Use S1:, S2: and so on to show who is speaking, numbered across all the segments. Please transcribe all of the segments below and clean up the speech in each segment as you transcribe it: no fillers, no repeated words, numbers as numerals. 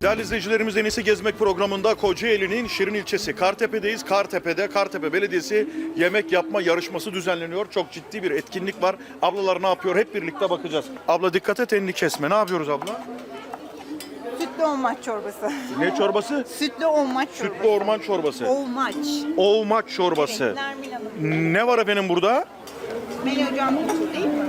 S1: Değerli izleyicilerimiz, En İyisi Gezmek programında Kocaeli'nin Şirin ilçesi Kartepe'deyiz. Kartepe Belediyesi yemek yapma yarışması düzenleniyor. Çok ciddi bir etkinlik var. Ablalar ne yapıyor? Hep birlikte bakacağız. Abla dikkat et, elini kesme. Ne yapıyoruz abla?
S2: Sütlü olmaç çorbası.
S1: Ne çorbası?
S2: Sütlü olmaç çorbası.
S1: Sütlü orman çorbası.
S2: Olmaç.
S1: Olmaç çorbası.
S2: Evet, Nermin Hanım.
S1: Ne var efendim burada?
S2: Beni hocam değil mi?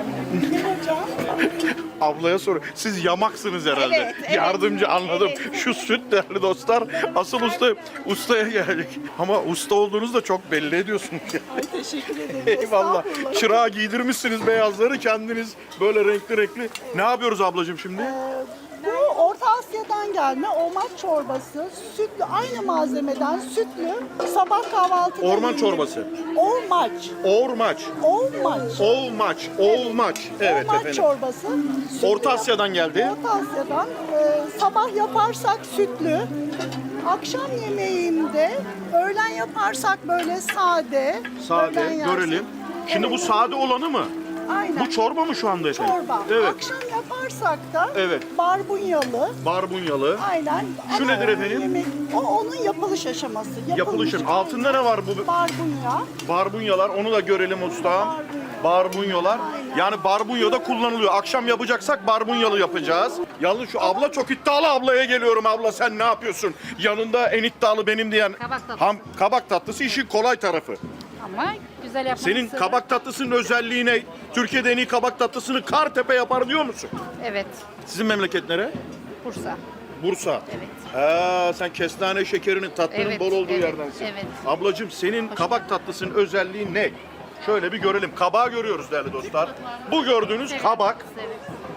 S1: Ablaya sor. Siz yamaksınız herhalde.
S2: Evet, evet.
S1: Yardımcı, anladım.
S2: Evet.
S1: Şu süt değerli dostlar. Asıl ustaya geldik. Ama usta olduğunuzu da çok belli ediyorsunuz.
S2: Ay teşekkür ederim.
S1: Eyvallah.
S2: Estağfurullah.
S1: Çırağa giydirmişsiniz beyazları, kendiniz böyle renkli. Ne yapıyoruz ablacığım şimdi?
S3: Bu Orta Asya'dan gelme olmaç çorbası, sütlü, aynı malzemeden sütlü, sabah kahvaltıda
S1: Orman
S3: yenir.
S1: çorbası.
S3: Olmaç,
S1: Ormaç.
S3: olmaç.
S1: Olmaç. Evet
S3: Olmaç
S1: efendim.
S3: çorbası. Sütlü,
S1: Orta Asya'dan geldi.
S3: Orta Asya'dan. Sabah yaparsak sütlü, akşam yemeğinde, öğlen yaparsak böyle sade.
S1: Sade,
S3: öğlen yersin.
S1: görelim. Şimdi
S3: Evet,
S1: bu sade olanı mı?
S3: aynen.
S1: Bu çorba mı şu anda efendim?
S3: Çorba.
S1: Evet.
S3: Akşam yaparsak da
S1: Evet.
S3: barbunyalı.
S1: Barbunyalı.
S3: Aynen.
S1: Şu
S3: Ama
S1: nedir efendim?
S3: o onun yapılış aşaması.
S1: Yapılışın. Altında ne var bu?
S3: Barbunya.
S1: Barbunyalar. Onu da görelim ustam. Barbunyalar.
S3: Aynen.
S1: Yani barbunya da kullanılıyor. Akşam yapacaksak barbunyalı yapacağız. Yalnız şu abla çok iddialı, ablaya geliyorum. Abla sen ne yapıyorsun? Yanında en iddialı benim diyen.
S4: Kabak tatlısı.
S1: Kabak tatlısı işin kolay tarafı.
S4: Ama güzel yapmak
S1: Senin kabak tatlısının özelliği ne? Türkiye'de en iyi kabak tatlısını Kartepe yapar diyor musun?
S4: Evet,
S1: Sizin memleket nere?
S4: Bursa.
S1: Bursa.
S4: Evet.
S1: Sen kestane şekerinin tatlının
S4: Evet,
S1: bol olduğu
S4: evet,
S1: yerdensin.
S4: evet.
S1: Ablacığım senin kabak tatlısının özelliği ne? Şöyle bir görelim. Kabağı görüyoruz değerli dostlar. Bu gördüğünüz kabak.
S4: Evet.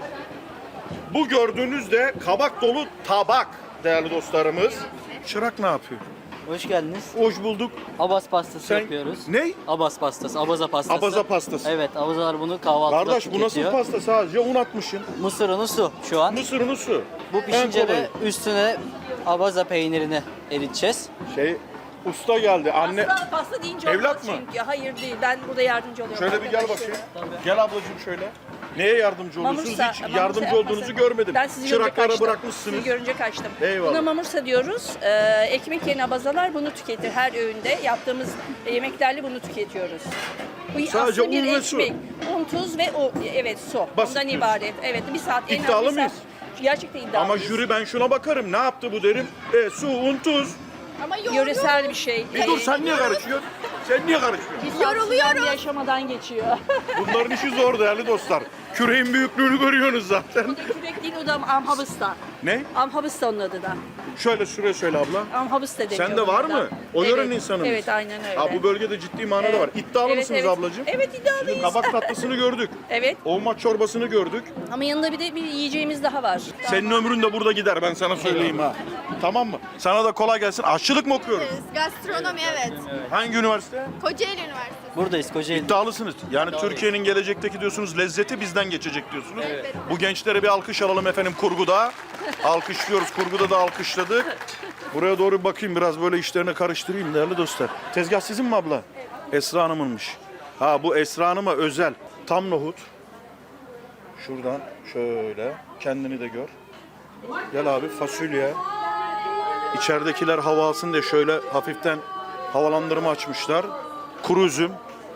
S1: Bu gördüğünüz de kabak dolu tabak değerli dostlarımız. Çırak ne yapıyor?
S5: Hoş geldiniz.
S1: Hoş bulduk.
S5: Abaz pastası
S1: Sen
S5: yapıyoruz.
S1: ne?
S5: Abaz pastası, abaza pastası.
S1: Abaza pastası.
S5: Evet, abazalar bunu kahvaltıda
S1: Kardeş bu nasıl
S5: tüketiyor.
S1: pasta? Sadece un atmışsın.
S5: Mısır unu su şu an.
S1: Mısır unu su.
S5: Bu
S1: En
S5: pişince
S1: kolayı.
S5: de üstüne abaza peynirini eriteceğiz.
S1: Usta geldi. Anne
S6: Pasta deyince
S1: Evlat
S6: olmaz
S1: mı?
S6: çünkü. Hayır değil. Ben burada yardımcı oluyorum.
S1: şöyle bir gel bakayım. Gel ablacığım şöyle. Neye yardımcı oluyorsunuz?
S6: Mamursa-
S1: Hiç
S6: mamursa
S1: yardımcı
S6: yapmasın.
S1: olduğunuzu görmedim.
S6: Ben sizi görünce
S1: Çıraklara
S6: kaçtım.
S1: bırakmışsınız.
S6: Sizi görünce kaçtım.
S1: Eyvallah.
S6: Buna mamursa diyoruz. Ekmek yerine abazalar bunu tüketir. Her öğünde yaptığımız yemeklerle bunu tüketiyoruz. Bu
S1: Sadece
S6: aslında bir
S1: un ve su.
S6: ekmek. Un, tuz ve evet su.
S1: Basit
S6: Ondan
S1: diyorsun.
S6: ibaret. Evet bir saat. en az
S1: İddialı
S6: bir saat.
S1: mıyız?
S6: Gerçekten iddialıyız.
S1: Ama jüri ben şuna bakarım. Ne yaptı bu derim. Su, un, tuz.
S6: Yöresel bir şey.
S1: Bir dur sen niye karışıyorsun? Sen niye karışıyorsun?
S6: Yoruluyoruz. Bir aşamadan geçiyor.
S1: Bunların işi zor değerli dostlar. Küreğin büyüklüğünü görüyorsunuz zaten.
S6: Kürek değil o da amhabısta.
S1: Ne?
S6: Amhabısta onun adı da.
S1: Şöyle şuraya söyle abla.
S6: Amhabısta deniyor.
S1: Sen de var
S6: buna da.
S1: mı? O yörenin
S6: Evet,
S1: insanı mısın?
S6: Evet aynen öyle.
S1: Ha, bu bölgede ciddi manada
S6: Evet.
S1: var. İddialı
S6: Evet,
S1: mısınız
S6: evet.
S1: ablacığım?
S6: Evet iddialıyız.
S1: Kabak tatlısını gördük.
S6: Evet
S1: Olmaç çorbasını gördük.
S6: ama yanında bir de bir yiyeceğimiz daha var.
S1: Senin ömrün de burada gider ben sana söyleyeyim ha. Tamam mı? Sana da kolay gelsin. Aşçılık mı okuyoruz?
S7: Gastronomi evet.
S1: Hangi üniversite?
S7: Kocaeli Üniversitesi.
S5: Buradayız Kocaeli.
S1: İddialısınız. Yani Türkiye'nin gelecekteki diyorsunuz lezzeti bizden geçecek diyorsunuz. Bu gençlere bir alkış alalım efendim kurguda. Alkışlıyoruz. Kurguda da alkışladık. Buraya doğru bir bakayım biraz böyle işlerine karıştırayım değerli dostlar. Tezgah sizin mi abla? Esra Hanım'ınmış. Ha bu Esra Hanım'a özel. Tam nohut. Şuradan şöyle kendini de gör. Gel abi fasulye. İçeridekiler hava alsın diye şöyle hafiften havalandırma açmışlar. Kuru üzüm.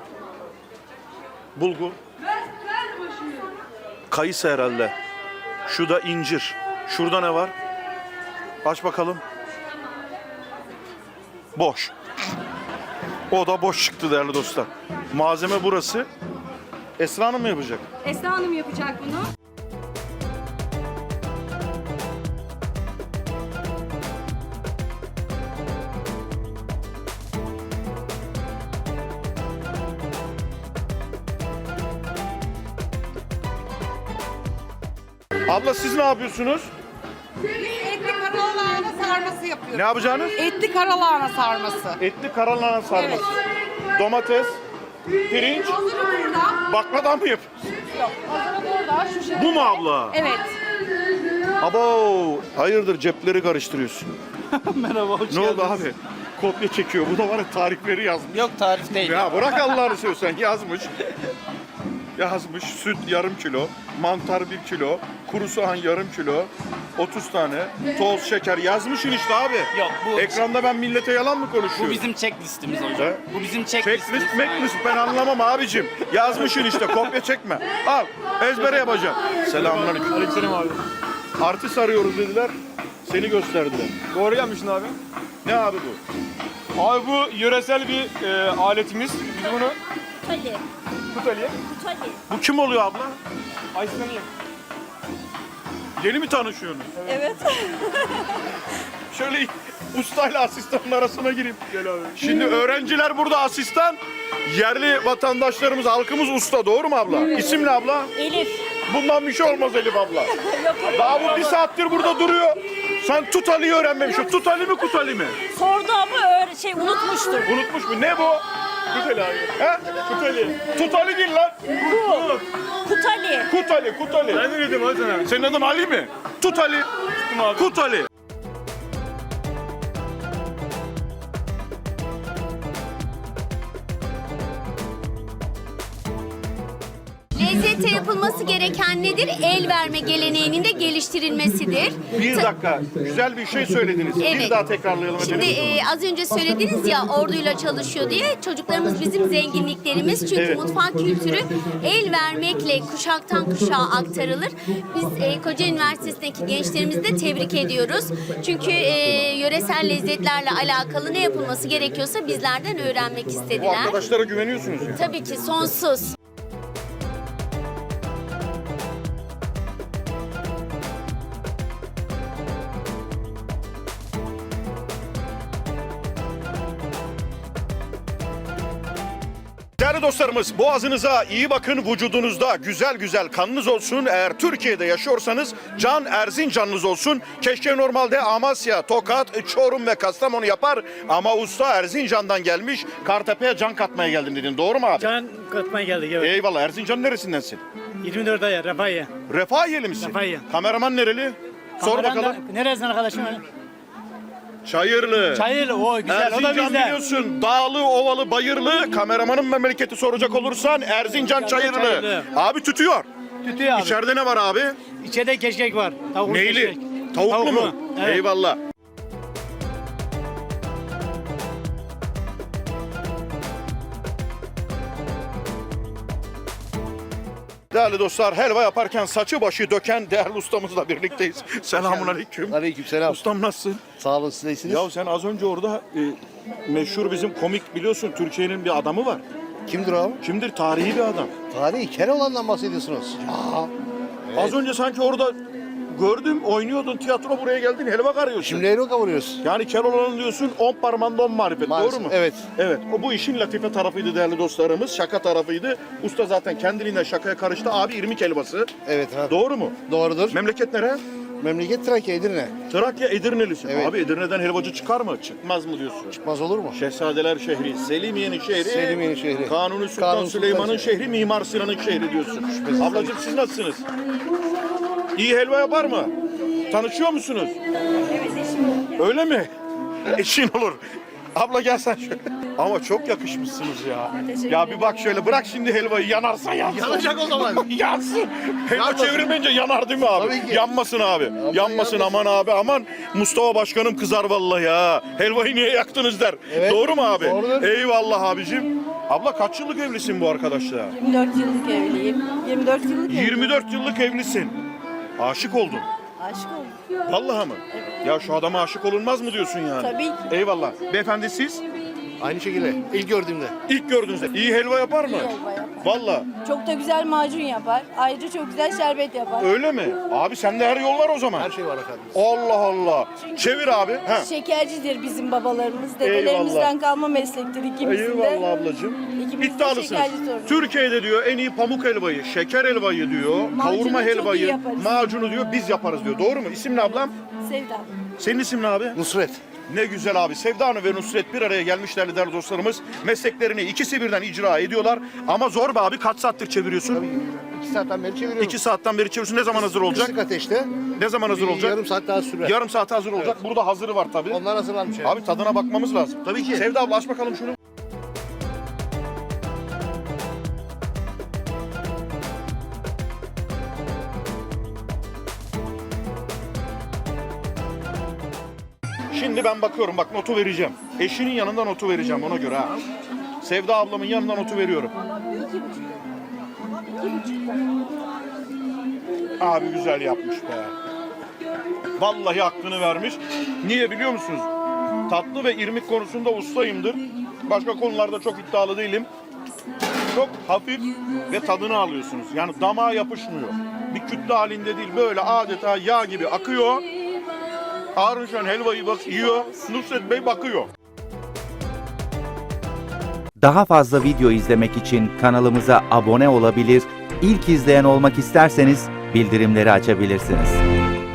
S1: Bulgur. Kayısı herhalde. Şu da incir. Şurada ne var? Aç bakalım. Boş. O da boş çıktı değerli dostlar. Malzeme burası. Esra Hanım mı yapacak?
S4: Esra Hanım yapacak bunu.
S1: Abla siz ne yapıyorsunuz?
S2: Etli karalahana sarması yapıyoruz.
S1: Ne yapacağınız?
S2: Etli karalahana sarması.
S1: Etli karalahana sarması. Domates, pirinç,
S2: Hazırı burada.
S1: bakladan mı yapıyorsunuz?
S2: Yok. Hazırı burada. Şu şekilde.
S1: Bu mu abla?
S2: Evet.
S1: Abo, hayırdır cepleri karıştırıyorsun.
S5: Merhaba, hoş
S1: Ne oldu
S5: geldiniz.
S1: abi? Kopya çekiyor. Bu da var ya tarifleri yazmış.
S5: Yok tarif değil.
S1: Ya bırak Allah'ını seversen yazmış. Yazmış süt yarım kilo, mantar 1 kilo, kuru soğan yarım kilo, 30 tane. Toz, şeker yazmışsın işte abi.
S8: Yok, bu-
S1: Ekranda ben millete yalan mı konuşuyorum?
S8: Bu bizim checklistimiz hocam.
S1: He?
S8: Bu bizim checklistimiz.
S1: Checklist, mecklist ben anlamam abicim. Yazmışsın işte, kopya çekme. Al, ezbere yapacağım. Selamünaleyküm.
S8: Aleykümselam abi.
S1: Artist arıyoruz dediler, seni gösterdiler.
S8: Doğru gelmişsin abi.
S1: Ne abi bu?
S8: Abi bu yöresel bir aletimiz. Biz bunu Kutali'ye.
S1: Bu kim oluyor abla?
S8: Aysin'e.
S1: Yeni mi tanışıyorsunuz?
S6: Evet.
S1: Şöyle ustayla asistanın arasına gireyim.
S8: Gel abi.
S1: Şimdi öğrenciler burada asistan, yerli vatandaşlarımız, halkımız usta. Doğru mu abla? İsim ne abla?
S6: Elif.
S1: Bundan bir şey olmaz Elif abla. Daha bu bir saattir burada duruyor. Sen Tut Ali'yi öğrenmemişsin. Tut Ali mi Kut Ali mi?
S6: Sordu ama unutmuştur.
S1: Unutmuş mu? Ne bu?
S8: Kut Ali abi.
S1: He?
S8: Kut Ali.
S1: Tut Ali değil lan.
S6: Kutali.
S1: Kut Ali, Kut Ali.
S8: Ben de dedim hadi sana.
S1: Senin adın Ali mi? Tut Ali.
S8: Tuttum abi.
S1: Kut Ali.
S7: Lezzete yapılması gereken nedir? El verme geleneğinin de geliştirilmesidir.
S1: Bir dakika. Güzel bir şey söylediniz. Bir
S7: Evet.
S1: daha tekrarlayalım
S7: Şimdi
S1: efendim.
S7: az önce söylediniz ya orduyla çalışıyor diye. Çocuklarımız bizim zenginliklerimiz. Çünkü
S1: Evet.
S7: mutfak kültürü el vermekle kuşaktan kuşağa aktarılır. Biz Kocaeli Üniversitesi'ndeki gençlerimizi de tebrik ediyoruz. Çünkü yöresel lezzetlerle alakalı ne yapılması gerekiyorsa bizlerden öğrenmek
S1: Bu
S7: istediler.
S1: arkadaşlara güveniyorsunuz ya.
S7: Tabii ki sonsuz.
S1: Değerli dostlarımız, boğazınıza iyi bakın, vücudunuzda güzel güzel kanınız olsun. Eğer Türkiye'de yaşıyorsanız Can Erzincanınız olsun. Keşke normalde Amasya, Tokat, Çorum ve Kastamonu yapar ama usta Erzincan'dan gelmiş. Kartepe'ye can katmaya geldim dedin. Doğru mu abi?
S9: Can katmaya geldik evet.
S1: Eyvallah. Erzincan neresindensin?
S9: 24 ay Refahiye.
S1: Refahiyeli misin?
S9: Refahiyeli.
S1: Kameraman nereli? Sor bakalım.
S9: Neresinden arkadaşım?
S1: Çayırlı.
S9: Çayırlı o güzel o da
S1: Erzincan
S9: bizde.
S1: biliyorsun, dağlı, ovalı, bayırlı. Kameramanın memleketi soracak olursan Erzincan Çayırlı.
S9: Çayırlı.
S1: Abi tütüyor.
S9: Tutuyor abi.
S1: İçeride ne var abi?
S9: İçeride keşkek var. Tavuklu
S1: Neyli?
S9: keşkek.
S1: Tavuklu mu?
S9: Evet.
S1: Eyvallah. Değerli dostlar, helva yaparken saçı başı döken değerli ustamızla birlikteyiz. Selamünaleyküm.
S10: Aleykümselam.
S1: Ustam nasılsın?
S10: Sağ olun, siz de iyisiniz.
S1: Ya sen az önce orada meşhur bizim komik biliyorsun Türkiye'nin bir adamı var.
S10: Kimdir o?
S1: Kimdir? Tarihi bir adam.
S10: Tarihi Keloğlan'dan bahsediyorsunuz.
S1: Az önce sanki orada gördüm, oynuyordun tiyatro, buraya geldin helva karıyorsun.
S10: Şimdi euro kavuruyoruz.
S1: Yani Keloğlan'ın diyorsun 10 parmağında 10 marifet,
S10: Maalesef,
S1: doğru mu?
S10: evet.
S1: Evet, o bu işin latife tarafıydı değerli dostlarımız, şaka tarafıydı. Usta zaten kendiliğinden şakaya karıştı. Abi irmik helvası,
S10: Evet. Ha.
S1: doğru mu?
S10: Doğrudur.
S1: Memleket nere?
S10: Memleket Trakya, Edirne.
S1: Trakya, Edirnelisin.
S10: Evet.
S1: Abi Edirne'den helvacı çıkar mı? Çıkmaz mı diyorsun?
S10: Çıkmaz olur mu?
S1: Şehzadeler şehri, Selimiye'nin şehri,
S10: Selimiye'nin şehri.
S1: Kanuni Sultan
S10: Kanuni Sultan
S1: Süleyman'ın
S10: şehri.
S1: şehri, Mimar Sinan'ın şehri diyorsun. Ablacığım siz nasılsınız? İyi helva yapar mı? Tanışıyor musunuz? Evet, eşim. Öyle mi? Eşin olur. Abla gel sen şöyle. Ama çok yakışmışsınız ya. Ya bir bak şöyle, bırak şimdi helvayı, yanarsa yansın.
S10: Yanacak o zaman.
S1: Yansın. Helva
S10: Yanmasın.
S1: çevirmeyince yanar değil mi abi?
S10: Tabii ki.
S1: Yanmasın abi. Yanmasın, aman abi, aman. Mustafa Başkanım kızar vallahi ya. Helvayı niye yaktınız der.
S10: Evet.
S1: Doğru mu abi?
S10: Doğrudur.
S1: Eyvallah abicim. Abla kaç yıllık evlisin bu arkadaşla?
S6: 24 yıllık evliyim. 24 yıllık
S1: 24 yıllık evlisin. Aşık oldun.
S6: aşık oldum.
S1: Vallahi mı? Ya şu adama aşık olunmaz mı diyorsun yani?
S6: Tabii ki.
S1: Eyvallah. Beyefendi siz
S10: Aynı şekilde. İlk gördüğümde.
S1: ilk gördüğünüzde iyi helva yapar mı?
S6: helva yapar.
S1: Vallahi.
S6: Çok da güzel macun yapar. Ayrıca çok güzel şerbet yapar.
S1: Öyle mi? Abi sende her yol var o zaman.
S10: Her şey var efendim.
S1: Allah Allah. Çevir abi. Ha.
S6: Şekercidir bizim babalarımız. Dedelerimizden kalma meslektir ikimizin de.
S1: Eyvallah ablacığım.
S6: İkimiz de
S1: İddialısınız.
S6: şekerci torunuyuz.
S1: Türkiye'de diyor en iyi pamuk helvayı, şeker helvayı diyor, kavurma
S6: çok iyi
S1: helvayı,
S6: yaparız.
S1: macunu diyor biz yaparız diyor. Doğru mu? İsim ne ablam?
S6: Sevda.
S1: Senin isim ne abi?
S10: Nusret.
S1: Ne güzel abi. Sevda Hanım ve Nusret bir araya gelmişler değerli dostlarımız. Mesleklerini ikisi birden icra ediyorlar. Ama zor be abi. Kaç saattir çeviriyorsun?
S10: 2 saatten beri çeviriyorum.
S1: 2 saatten beri çeviriyorsun. Ne zaman hazır olacak?
S10: Kısık ateşte.
S1: Ne zaman hazır olacak?
S10: Yarım saat daha sürer.
S1: Yarım saate hazır olacak. Burada hazırı var tabii.
S10: Onlar hazırlanmış. Yani.
S1: Abi tadına bakmamız lazım.
S10: Tabii ki.
S1: Sevda abla aç bakalım şunu. Şimdi ben bakıyorum, bak notu vereceğim. Eşinin yanında notu vereceğim ona göre ha. Sevda ablamın yanında notu veriyorum. Abi güzel yapmış be. Vallahi hakkını vermiş. Niye biliyor musunuz? Tatlı ve irmik konusunda ustayımdır. Başka konularda çok iddialı değilim. Çok hafif ve tadını alıyorsunuz. Yani damağa yapışmıyor. Bir kütle halinde değil, böyle adeta yağ gibi akıyor. Harun Şen helvayı bak yiyor, Nusret Bey bakıyor.
S11: Daha fazla video izlemek için kanalımıza abone olabilir, ilk izleyen olmak isterseniz bildirimleri açabilirsiniz.